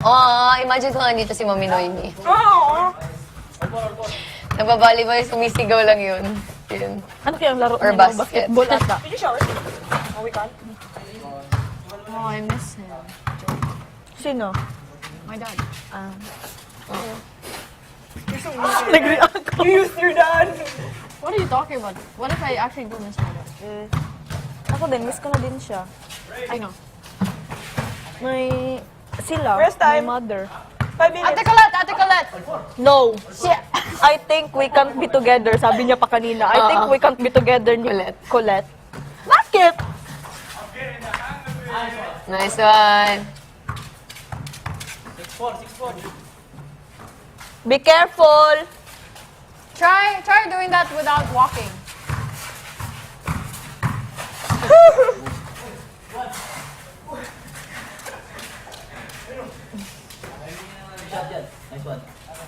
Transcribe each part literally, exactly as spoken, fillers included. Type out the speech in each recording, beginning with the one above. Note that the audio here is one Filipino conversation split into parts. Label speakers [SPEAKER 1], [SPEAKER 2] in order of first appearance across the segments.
[SPEAKER 1] Oh, imagine ko nga dito si Mami Noemi.
[SPEAKER 2] Oo.
[SPEAKER 1] Nagbabalibay, sumisigaw lang yun. Yun.
[SPEAKER 2] Ano kayang laro
[SPEAKER 1] Or
[SPEAKER 2] nila?
[SPEAKER 1] basket.
[SPEAKER 2] Basketball ata.
[SPEAKER 3] Did you shower? Oh, we can't.
[SPEAKER 4] Oh, I miss him.
[SPEAKER 2] Sino?
[SPEAKER 4] My dad.
[SPEAKER 2] Ah.
[SPEAKER 3] Nag-react ko. You used your dad.
[SPEAKER 4] What are you talking about? What if I actually do miss my dad?
[SPEAKER 2] Ako din, miss ko na din siya.
[SPEAKER 4] I know.
[SPEAKER 2] May... Sila,
[SPEAKER 3] First time.
[SPEAKER 2] my mother.
[SPEAKER 3] Five minutes.
[SPEAKER 4] Ate Colette! Ate Colette!
[SPEAKER 2] No.
[SPEAKER 4] Shit!
[SPEAKER 2] I think we can't be together, sabi niya pa kanina. I think we can't be together ni
[SPEAKER 1] Colette.
[SPEAKER 2] Colette. Bakit?
[SPEAKER 1] Nice one.
[SPEAKER 2] Be careful.
[SPEAKER 4] Try, try doing that without walking.
[SPEAKER 5] Nice one.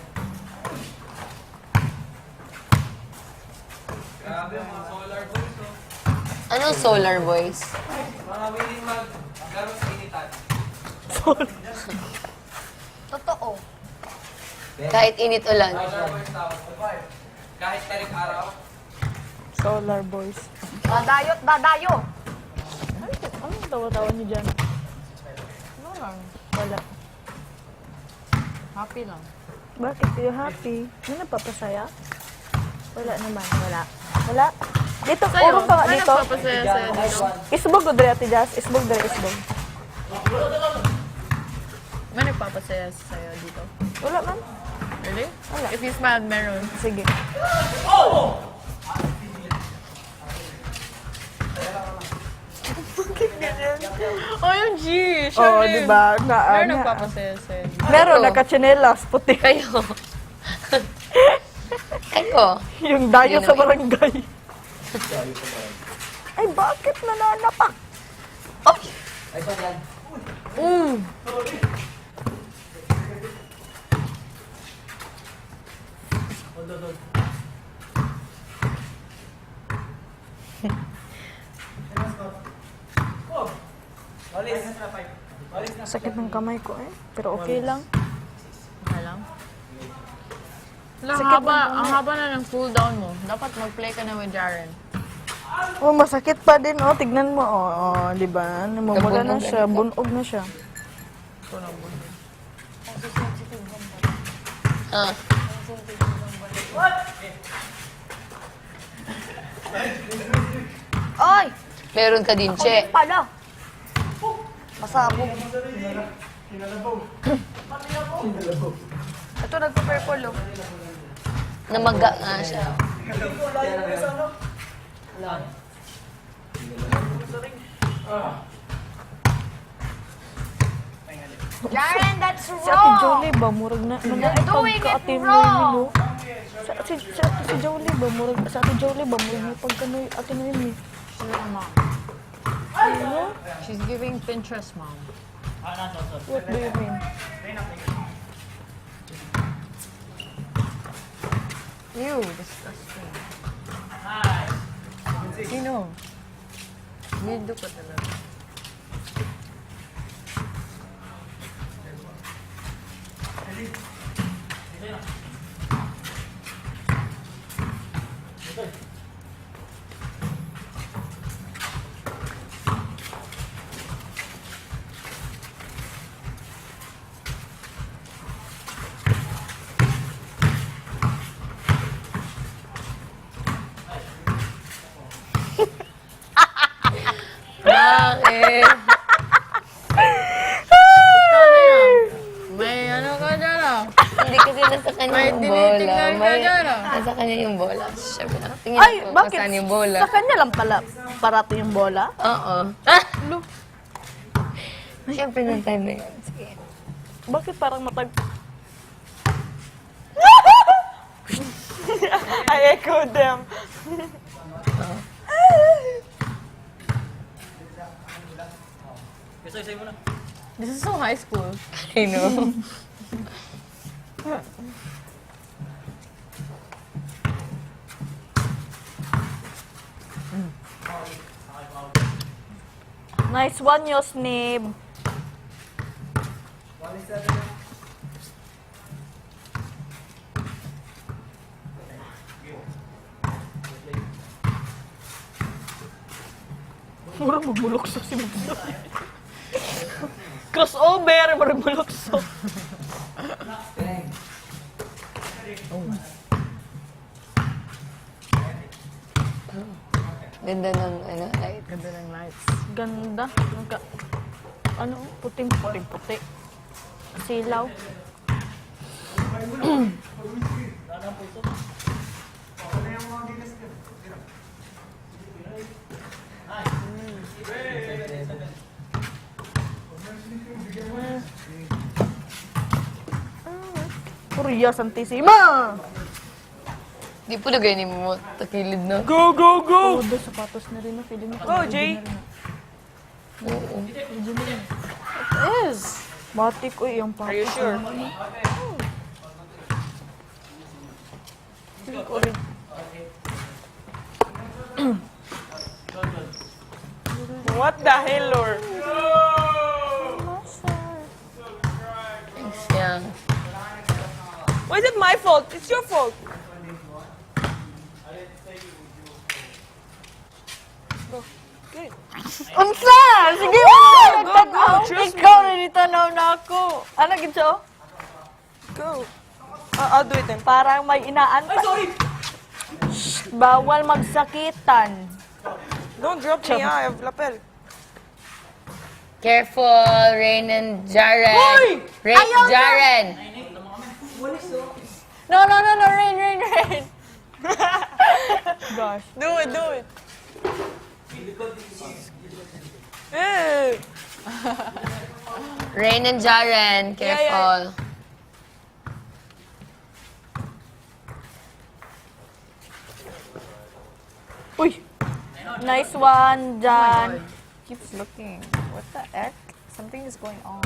[SPEAKER 5] Grabe mga solar boys, oh.
[SPEAKER 1] Anong solar boys?
[SPEAKER 5] Mga willing maglaro sa initan.
[SPEAKER 4] Totoo.
[SPEAKER 1] Kahit init ulan.
[SPEAKER 5] Solar boys tawag. Kahit tarik araw.
[SPEAKER 2] Solar boys.
[SPEAKER 4] Dadayot, dadayo!
[SPEAKER 2] Ano, anong tawa-tawa niyo dyan?
[SPEAKER 4] Ano lang?
[SPEAKER 2] Wala.
[SPEAKER 4] Happy lang.
[SPEAKER 2] Bakit kayo happy? May nagpapasaya? Wala naman. Wala. Wala. Dito, urong ka nga
[SPEAKER 4] Ano
[SPEAKER 2] dito.
[SPEAKER 4] nagpapasaya sa'yo dito?
[SPEAKER 2] Isbog o dre, Ate Jazz? Isbog dre, isbog.
[SPEAKER 4] May nagpapasaya sa'yo dito?
[SPEAKER 2] Wala man.
[SPEAKER 4] Really?
[SPEAKER 2] Wala.
[SPEAKER 4] If you smiled, meron.
[SPEAKER 2] Sige.
[SPEAKER 4] O M G! Siya
[SPEAKER 2] Oo,
[SPEAKER 4] rin.
[SPEAKER 2] di ba? Na,
[SPEAKER 4] Meron
[SPEAKER 2] na,
[SPEAKER 4] nagpapasaya sa'yo dito.
[SPEAKER 2] meron,
[SPEAKER 1] Ano?
[SPEAKER 2] nakachinelas, puti.
[SPEAKER 1] Kayo. Kayo.
[SPEAKER 2] Yung dayo
[SPEAKER 1] Yun
[SPEAKER 2] sa
[SPEAKER 1] ang-
[SPEAKER 2] barangay. Ay, bakit nananapak?
[SPEAKER 5] Nice one yan.
[SPEAKER 2] Mm. Sakit ng kamay ko eh. Pero okay lang.
[SPEAKER 4] Okay lang. Wala, ang
[SPEAKER 2] Sakit
[SPEAKER 4] haba,
[SPEAKER 2] ng
[SPEAKER 4] ang haba na ng cool down mo. Dapat mag-play ka na with Jaren.
[SPEAKER 2] Oh, masakit pa din oh. Tignan mo oh, oh di ba? Namumula na
[SPEAKER 1] Nabunog
[SPEAKER 2] siya,
[SPEAKER 1] na ito.
[SPEAKER 2] bunog na siya.
[SPEAKER 4] Ito na mo.
[SPEAKER 1] Ah.
[SPEAKER 4] Oy!
[SPEAKER 1] Meron ka din, Che.
[SPEAKER 4] Pala!
[SPEAKER 2] Masabog.
[SPEAKER 4] Ito nagpa-purple oh.
[SPEAKER 1] Namaga nga siya.
[SPEAKER 4] Jaren, that's
[SPEAKER 2] Si Ate Jolie ba, murag na, nanay
[SPEAKER 4] doing it
[SPEAKER 2] pagka Ate
[SPEAKER 4] wrong.
[SPEAKER 2] Noemi, no? Si, si, si, Ate si Jolie ba, murag, si Ate Jolie ba, murag na pagka Noe- Ate Noemi.
[SPEAKER 4] She's a mom.
[SPEAKER 2] Ano?
[SPEAKER 4] She's giving Pinterest mom.
[SPEAKER 2] What do you mean?
[SPEAKER 4] Ew, disgusting. Sino? Weirdo ka talaga.
[SPEAKER 1] Bakit?
[SPEAKER 4] May ano ka dyan ah.
[SPEAKER 1] Hindi kasi nasa kanya
[SPEAKER 4] May
[SPEAKER 1] yung
[SPEAKER 4] tinitignan
[SPEAKER 1] bola.
[SPEAKER 4] ka
[SPEAKER 1] May,
[SPEAKER 4] dyan, ah.
[SPEAKER 1] nasa kanya yung bola. Siyempre, tingin
[SPEAKER 2] Ay,
[SPEAKER 1] ako
[SPEAKER 2] bakit?
[SPEAKER 1] kung saan yung bola.
[SPEAKER 2] Sa kanya lang pala, parato yung bola?
[SPEAKER 1] Oo. Ah! Siyempre, nung time na yun. Sige.
[SPEAKER 2] Bakit parang matag... I echo them.
[SPEAKER 5] Isa-isa mo na.
[SPEAKER 4] This is so high school.
[SPEAKER 1] I know.
[SPEAKER 2] Nice one, Yosnib. Murang magbulokso si Mugdo. Crossover, murang bulokso.
[SPEAKER 1] Ganda ng ano, light.
[SPEAKER 2] Ganda ng lights. Ganda. Nagka, ano, puting puting puti. Silaw. Korea Santissima!
[SPEAKER 1] Di po lagay ni mo takilid na.
[SPEAKER 3] Go, go, go!
[SPEAKER 2] Oh, doon sapatos na rin na feeling mo.
[SPEAKER 3] Go, Jay!
[SPEAKER 1] Oo.
[SPEAKER 2] Yes! Matik ko yung patos.
[SPEAKER 3] Are you sure?
[SPEAKER 2] Feeling ko rin.
[SPEAKER 3] What the hell, Lord?
[SPEAKER 1] Thanks, Yang.
[SPEAKER 3] Why is it my fault? It's your fault.
[SPEAKER 2] Unsa? Sige mo!
[SPEAKER 3] go, go, trust
[SPEAKER 2] Ikaw na nitanaw na ako. Ano gito?
[SPEAKER 3] Go. Uh, I'll do it then.
[SPEAKER 2] Parang may inaantay.
[SPEAKER 3] Ay, sorry!
[SPEAKER 2] Bawal magsakitan.
[SPEAKER 3] Don't drop me, ah. I have lapel.
[SPEAKER 1] Careful, Rain and Jaren.
[SPEAKER 3] Hoy!
[SPEAKER 1] Rain,
[SPEAKER 2] Ayaw na!
[SPEAKER 1] Jaren.
[SPEAKER 2] No, no, no, no, rain, rain, rain. Gosh.
[SPEAKER 3] Do it, do it. Eh.
[SPEAKER 1] Rain and Jaren,
[SPEAKER 3] Yeah,
[SPEAKER 1] careful.
[SPEAKER 2] Uy! Nice one, Jan.
[SPEAKER 4] Keeps looking. What the heck? Something is going on.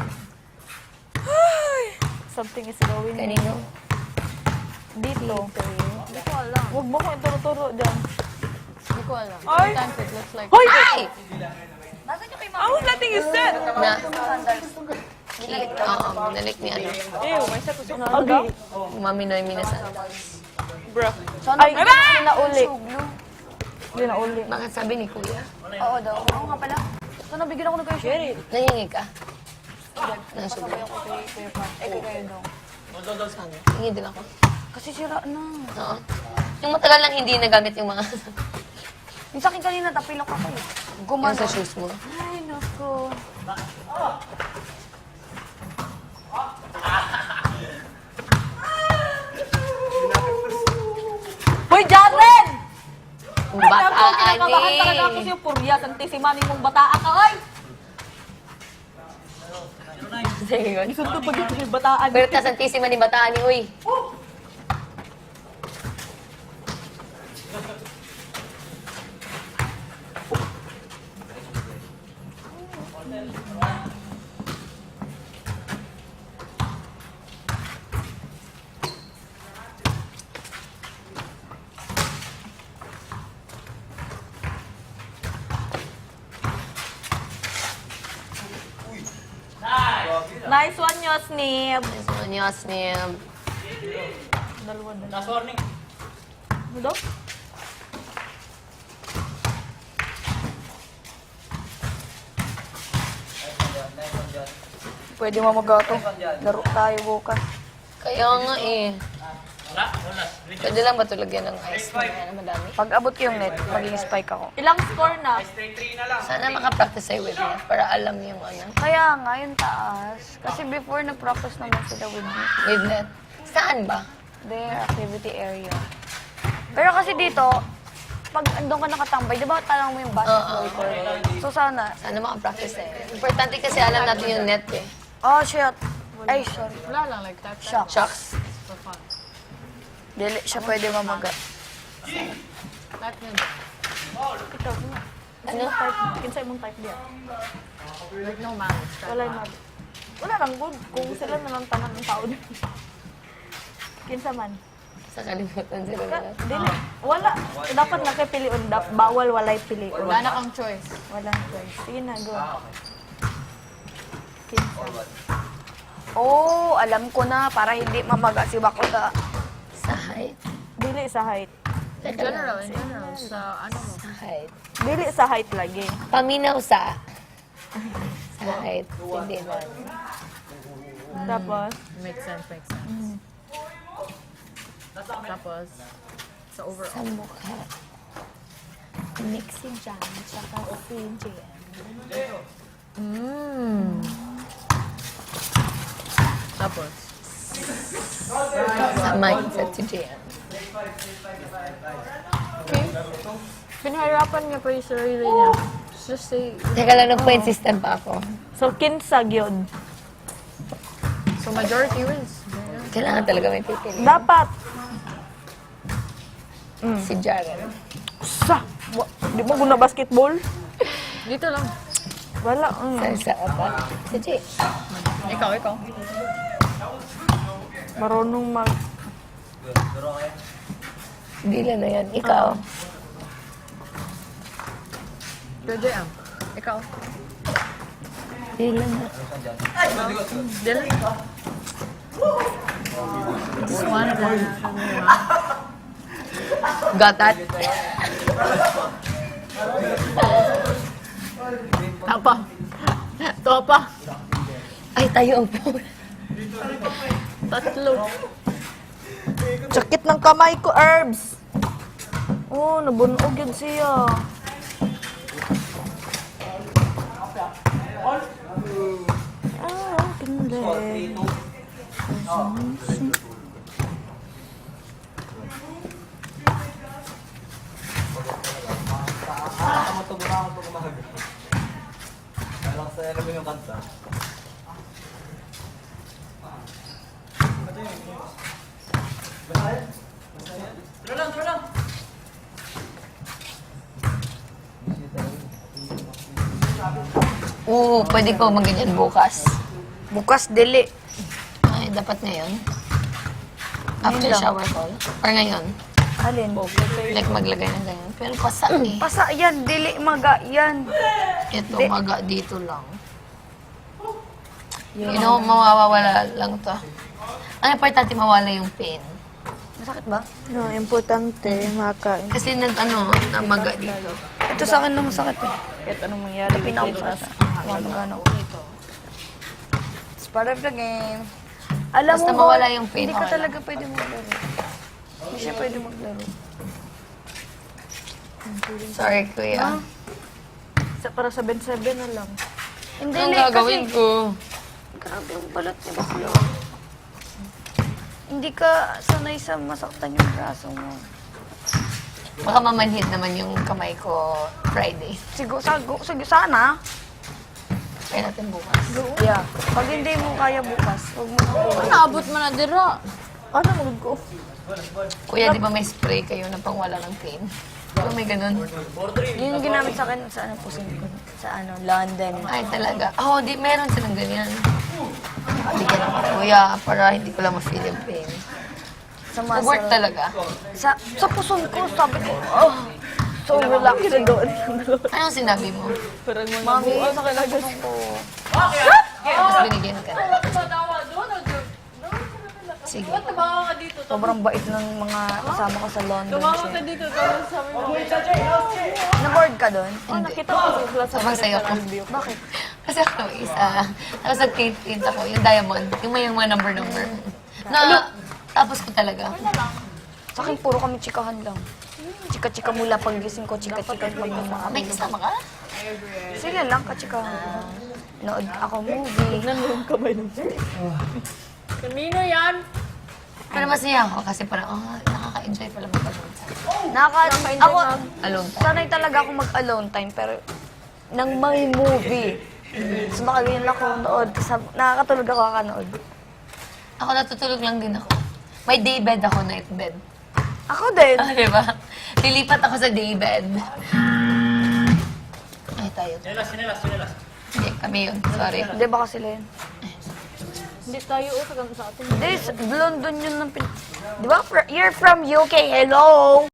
[SPEAKER 2] Something is going on.
[SPEAKER 1] Kanino?
[SPEAKER 2] Dito.
[SPEAKER 4] Hindi ko alam.
[SPEAKER 2] Huwag mo ko ituro-turo dyan.
[SPEAKER 4] Hindi ko alam.
[SPEAKER 3] Ay!
[SPEAKER 4] Sometimes it looks like...
[SPEAKER 2] Hoy!
[SPEAKER 1] Ay!
[SPEAKER 3] I was letting you sit.
[SPEAKER 1] Na. Ki, oo, binalik ni ano.
[SPEAKER 3] Ew, my set was so
[SPEAKER 2] Ugly.
[SPEAKER 1] Umaminoy minasan.
[SPEAKER 3] Bruh.
[SPEAKER 2] Ay, hindi na uli. Hindi na uli.
[SPEAKER 1] Bakit sabi ni Kuya?
[SPEAKER 4] Oo daw. Oo nga pala. So, nabigyan ako ng kayo siya.
[SPEAKER 1] Nangingi ka? Nasubo.
[SPEAKER 4] Sabay ako kay Kuya Pat. Eh, kay kayo daw.
[SPEAKER 1] Hingi din ako.
[SPEAKER 4] Kasi sira na.
[SPEAKER 1] Oo. Yung matagal lang hindi nagamit yung mga
[SPEAKER 4] Yung sa akin kanina, tapilok ako eh.
[SPEAKER 1] yung
[SPEAKER 4] Gumano.
[SPEAKER 1] sa shoes mo.
[SPEAKER 4] Ay, naku.
[SPEAKER 2] Hoy, Jaren!
[SPEAKER 1] Bataan
[SPEAKER 2] Kinakabahan talaga ako
[SPEAKER 1] eh.
[SPEAKER 2] sa'yo. Purya, santisimani mong bataan ka, oy!
[SPEAKER 1] Sige, yun.
[SPEAKER 2] Isundo pag ito yung bataan.
[SPEAKER 1] Pero ta santissima ni Bataan ni Uy.
[SPEAKER 2] Nice one, Yosnib.
[SPEAKER 1] So, Nyos ni
[SPEAKER 2] Dalawa na. Last warning. Ano daw? Pwede mo magato. Laro tayo bukas.
[SPEAKER 1] Kaya nga eh. Pwede lang ba ito lagyan ng ice na yan, madami?
[SPEAKER 4] Pag abot ko yung net, maging spike ako.
[SPEAKER 2] Ilang score na?
[SPEAKER 1] Sana makapractice tayo with net para alam yung ano.
[SPEAKER 4] Kaya nga, yung taas. Kasi before, nag-practice naman sila with me.
[SPEAKER 1] With net. Saan ba?
[SPEAKER 4] Their activity area. Pero kasi dito, pag andun ka nakatambay, di ba talang mo yung basketball
[SPEAKER 1] Oo.
[SPEAKER 4] court? So sana,
[SPEAKER 1] Sana makapractice tayo. Importante kasi alam natin yung net eh.
[SPEAKER 4] oh shit. Ay, sorry.
[SPEAKER 5] Wala lang, like that.
[SPEAKER 4] Shock.
[SPEAKER 1] Shucks.
[SPEAKER 5] For fun.
[SPEAKER 4] Dili siya pwede mamaga.
[SPEAKER 5] That good.
[SPEAKER 2] Ikaw, ano?
[SPEAKER 1] Ano?
[SPEAKER 2] Type, kinsay mong type diya.
[SPEAKER 5] Like no malice.
[SPEAKER 2] Wala yung mag... Wala lang good. Kung sila na lang tanan ng tao din. Kinsa man.
[SPEAKER 1] Sa kalimutan sila
[SPEAKER 2] Ka,
[SPEAKER 1] na.
[SPEAKER 2] dili. Wala. Dapat na kay piliun. Dap, bawal walay piliun.
[SPEAKER 5] Wala na kang choice.
[SPEAKER 2] Walang choice. Sige na, go. Kinsa.
[SPEAKER 4] Oh, alam ko na. Para hindi mamaga si Bakuda.
[SPEAKER 1] Sa height.
[SPEAKER 2] Dili sa height.
[SPEAKER 3] In general, in general. Sa ano mo?
[SPEAKER 1] Sa height.
[SPEAKER 2] Dili sa height lagi.
[SPEAKER 1] Paminaw sa... Sa height. Hindi na.
[SPEAKER 2] Tapos,
[SPEAKER 3] Makes sense, makes sense. Tapos, sa overall.
[SPEAKER 1] Sa mukha. Mix si Jan, tsaka si J M.
[SPEAKER 3] Mmm. Tapos,
[SPEAKER 1] Sa mindset si J M.
[SPEAKER 3] okay. Pinahirapan niya pa yung sarili niya. Just say,
[SPEAKER 1] Teka lang, nag-point system pa ako.
[SPEAKER 2] so kinsa gyud.
[SPEAKER 3] so majority wins.
[SPEAKER 1] Kailangan talaga may pipili.
[SPEAKER 2] Dapat
[SPEAKER 1] Si Jaren.
[SPEAKER 2] sa wa- di mo guna basketball?
[SPEAKER 3] Dito lang.
[SPEAKER 2] Wala. Mm.
[SPEAKER 1] Sa isa pa. Si J.
[SPEAKER 3] Ikaw, ikaw.
[SPEAKER 2] Marunong mag
[SPEAKER 1] Dila na yan. Ikaw.
[SPEAKER 3] Pero J M, ikaw.
[SPEAKER 1] Dila na.
[SPEAKER 3] Dylan. Just one of them.
[SPEAKER 1] Got that?
[SPEAKER 3] Tapa. Topa.
[SPEAKER 1] Ay, tayo ang po.
[SPEAKER 3] Tatlo.
[SPEAKER 2] sakit ng kamay ko, Herbs. Oh, nabunog yun siya. Ah, hindi.
[SPEAKER 1] Oo, pwede ko magganyan bukas.
[SPEAKER 4] Bukas, dili.
[SPEAKER 1] Ay, dapat ngayon. After shower call. Or ngayon.
[SPEAKER 4] Alin?
[SPEAKER 1] Like maglagay ng ganyan. Pero pasa eh.
[SPEAKER 4] Pasa yan, dili maga yan.
[SPEAKER 1] Ito, maga dito lang. You know, mawawala lang to. Ang importante mawala yung pain.
[SPEAKER 4] Masakit ba?
[SPEAKER 2] No, importante, makain.
[SPEAKER 1] Kasi nag, ano, namaga dito.
[SPEAKER 4] Ito sa akin lang masakit eh.
[SPEAKER 2] Kahit anong mangyari.
[SPEAKER 4] Pinaupas. Magano. It's part of the game. Alam
[SPEAKER 1] Basta
[SPEAKER 4] mo,
[SPEAKER 1] mawala yung pain,
[SPEAKER 4] hindi ka
[SPEAKER 1] okay
[SPEAKER 4] talaga pwede maglaro. Hindi siya pwede maglaro.
[SPEAKER 1] Sorry, kuya.
[SPEAKER 2] Sa, para sa Ben seven na lang.
[SPEAKER 4] Hindi,
[SPEAKER 1] Anong
[SPEAKER 4] li-
[SPEAKER 1] gagawin
[SPEAKER 4] kasi,
[SPEAKER 1] ko?
[SPEAKER 4] grabe yung balat ni Baklo. Hindi ka sanay sa masaktan yung braso mo.
[SPEAKER 1] Baka mamanhid naman yung kamay ko Friday.
[SPEAKER 4] Siguro, sago, sige, sana.
[SPEAKER 1] Kaya natin bukas.
[SPEAKER 4] Yeah. Pag hindi mo kaya bukas, huwag mo makuha.
[SPEAKER 3] Naabot mo na dira.
[SPEAKER 2] Ano mo ko?
[SPEAKER 1] Kuya, di ba may spray kayo na pangwala ng pain? Di ba may ganun?
[SPEAKER 4] Yun yung ginamit sa akin sa ano, pusin ko. Sa ano, London.
[SPEAKER 1] Ay, talaga. Oo, oh, di, meron silang ganyan. Bigyan ako, kuya, para hindi ko lang ma-feel yung pain.
[SPEAKER 4] Sa
[SPEAKER 1] Work
[SPEAKER 4] muscle.
[SPEAKER 1] talaga.
[SPEAKER 4] Sa, sa puson ko, sabi ko, oh, so relaxing.
[SPEAKER 1] Anong sinabi mo?
[SPEAKER 4] Mami, sa puson ko.
[SPEAKER 1] Tapos binigyan ka na. Sige.
[SPEAKER 4] Sobrang bait ng mga kasama ko sa London.
[SPEAKER 3] Tumawag ka dito, tapos sabi mo,
[SPEAKER 4] Na-board ka doon?
[SPEAKER 1] Hindi.
[SPEAKER 2] Nakita ko sa class sa
[SPEAKER 1] Sabang sayo ko.
[SPEAKER 4] Bakit?
[SPEAKER 1] Kasi ako isa. Tapos nag-paint ako, yung diamond. Yung may yung mga number-number. Na, tapos ko talaga.
[SPEAKER 4] Sa akin, puro kami chikahan lang. Chika-chika mula pag gising ko, chika-chika pag mga
[SPEAKER 1] May kasama ka?
[SPEAKER 4] Sila lang, kachikahan. Nood ako movie.
[SPEAKER 3] kanino yan?
[SPEAKER 1] Pero masaya ako kasi parang, oh, nakaka-enjoy pala mag-alone time.
[SPEAKER 4] Naka, ako,
[SPEAKER 1] Alone time.
[SPEAKER 4] sanay talaga ako mag-alone time, pero nang may movie. So makaganyan ako nood. Sab- nakakatulog ako kakanood.
[SPEAKER 1] Ako natutulog lang din ako. May day bed ako, night bed.
[SPEAKER 4] Ako din.
[SPEAKER 1] Ah, di ba? Lilipat ako sa day bed. Ay, tayo. Sinelas, sinelas, sinelas. Hindi, kami yun. Sorry.
[SPEAKER 4] Hindi ba kasi sila yun?
[SPEAKER 2] Hindi tayo usagan sa atin.
[SPEAKER 4] Hindi, London yun ng pin... Di ba? Fr- You're from U K, hello!